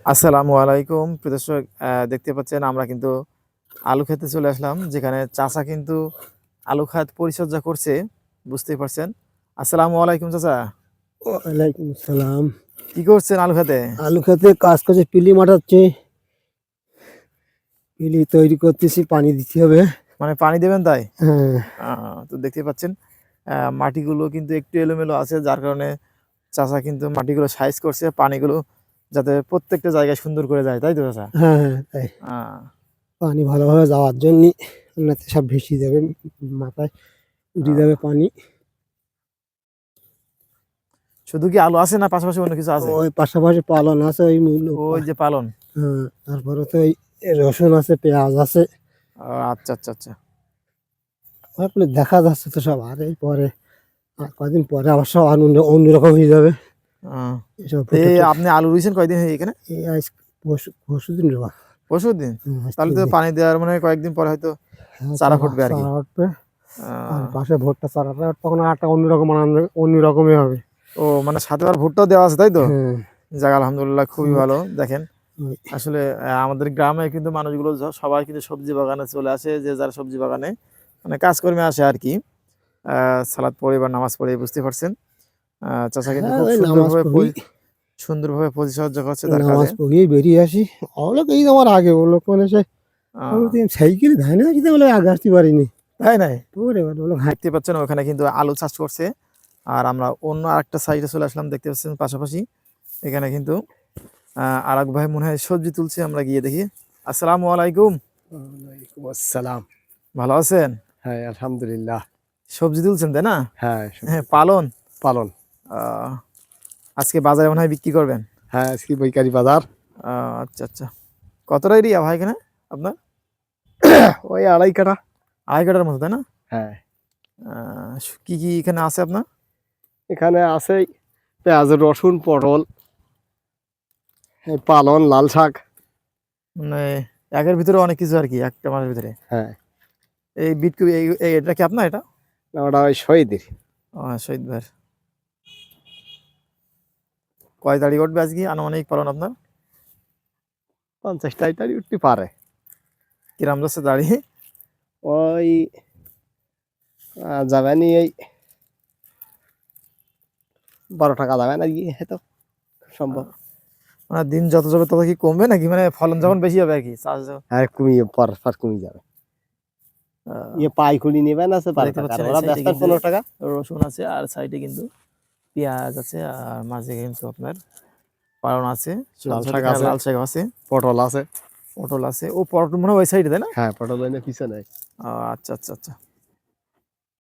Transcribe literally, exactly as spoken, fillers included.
আসসালামু আলাইকুম প্রিয় দর্শক, আহ, দেখতে পাচ্ছেন আমরা কিন্তু আলু খেতে চলে আসলাম, যেখানে চাচা কিন্তু আলু খাত পরিচর্যা করছে, বুঝতেই পারছেন। আসসালামু আলাইকুম চাচা, ওয়ালাইকুম আসসালাম। কি করছেন আলু খেতে? আলু খেতে কাজ করছে, পিলি মাঠাচ্ছে, পিলি তৈরি করতেছি, পানি দিতে হবে। মানে পানি দেবেন তাই? হ্যাঁ, আহ, তো দেখতে পাচ্ছেন আহ, মাটিগুলো কিন্তু একটু এলোমেলো আছে, যার কারণে চাচা কিন্তু মাটিগুলো সাইজ করছে, পানিগুলো যাতে প্রত্যেকটা জায়গায় সুন্দর করে যায়, তাই তো চাচা? হ্যাঁ, হ্যাঁ, তাই আহ, পানি ভালোভাবে যাওয়ার জন্য নাতে সব ভেসে যাবে, মাথায় উঠে আহ, যাবে পানি। শুধু কি আলু আছে না পাশাপাশি অন্য কিছু আছে? ওই পাশাপাশি পালন আছে, ওই মূল ওই যে পালন। হ্যাঁ, তারপরে তো ওই রসুন আছে, পেঁয়াজ আছে। আহ, আচ্ছা আচ্ছা আচ্ছা। তারপরে দেখা যাচ্ছে তো সব, আর এই পরে আর কদিন পরে আবার সব আর অন্য অন্যরকম হয়ে যাবে। আহ, এসব তো ফুটে এই টুটে আপনি আলু রুইছেন কয়দিন হয়ে এখানে? এই আজ পরশু পরশু দিন রেবা। পরশু দিন? হ্যাঁ, আজ তাহলে তিন তো দিন। পানি দেওয়ার মানে কয়েকদিন পরে হয়তো হ্যাঁ, চারা চারা ফুটবে আর কি। চারা উঠবে। আর আহ, পাশে ভুট্টা চারাটা তখন একটা অন্যরকম আনন্দ, অন্য রকমই হবে। ও মানে সাথে আর ভুট্টাও দেওয়া আছে, তাই তো? হ্যাঁ, যাক আলহামদুলিল্লাহ, খুবই ওই- ভালো। দেখেন ওই, আসলে আহ, আমাদের গ্রামে কিন্তু মানুষগুলো য- সবাই কিন্তু সবজি বাগানে চলে আসে, যে যার সবজি বাগানে মানে কাজকর্মে আসে আর কি। আহ সালাদ পড়ে বা নামাজ পড়ে, বুঝতে পারছেন। আহ চাচা কিন্তু হ্যাঁ, খুব ওই নামাজ সুন্দরভাবে পড়ি, পরি- সুন্দরভাবে পরিচর্যা করছে তার কাজে। নামাজ পড়িয়ে বেরিয়ে আসি। ওগুলো এই আমার আগে ওগুলো মানে সে আমি আহ তো সাইকেল ধান আসতে বলে আগে আসতে পারিনি। তাই নাই? তোর এবার বলো হাঁট। দেখতে পাচ্ছেন ওখানে কিন্তু আলু চাষ করছে, আর আমরা অন্য আরেকটা সাইডে চলে আসলাম, দেখতে পাচ্ছেন পাশাপাশি। এখানে কিন্তু আহ আরেক ভাই মনে হয় সবজি তুলছে, আমরা গিয়ে দেখি। আসসালামু আলাইকুম, ওয়ালাইকুম আসসালাম। ভালো আছেন? হ্যাঁ, আলহামদুলিল্লাহ। সবজি তুলছেন তাই না? হ্যাঁ, হ্যাঁ, সবজি পালন। পালন। আহ আজকে বাজারে মনে হয় বিক্রি করবেন? হ্যাঁ, আজকে বৈকারি বাজার। আহ আচ্ছা আচ্ছা। কতটা এরিয়া ভাই এখানে আপনার? ওই আড়াই কাঠা। আড়াই কাঠার মতো, তাই না? হ্যাঁ, আহ কি কি এখানে আছে আপনার? এখানে আছে পেঁয়াজ, রসুন, পটল, এই পালন, লাল শাক। মানে একের ভিতরে অনেক কিছু আর কি, একটা মাসের ভিতরে। হ্যাঁ, এই বিট কপি, এই এই- এটা কি আপনার? এটা না, ওটা ওই শহীদের। আহ, শহীদ ভাই। কয় তারিখ উঠবে আজকে আনুমানিক পালন আপনার? পঞ্চাশটাই তারি উঠতে পারে। কিরাম যাচ্ছে দাঁড়িয়ে? ওই আহ, যাবে নি এই বারো টাকা যাবে না গিয়ে হয়তো সম্ভব। মানে দিন যত যাবে তত কি কমবে নাকি, মানে ফলন যখন বেশি হবে আর কি চাষ যখন- আর কমিয়ে পর পর কমিয়ে যাবে। আহ, ইয়ে পাইকুড়ি নেবে না, আছে বারো দেখতে টাকা, আর পাচ্ছেন এই ওরা সাইডে ব্যস্ত কিন্তু পনেরো টাকা। রসুন আছে, আর সাইডে কিন্তু পেঁয়াজ আছে, আর মাঝে কিন্তু আপনার পালন আছে, সাথে লাল সাথে শাক এখানে আছে, লাল শাক আছে, পটল আছে। পটল আছে। ও পটল মনে হয় ওই সাইডে, তাই না? হ্যাঁ, পটল এনে পিছনে। আহ, আচ্ছা আচ্ছা আচ্ছা।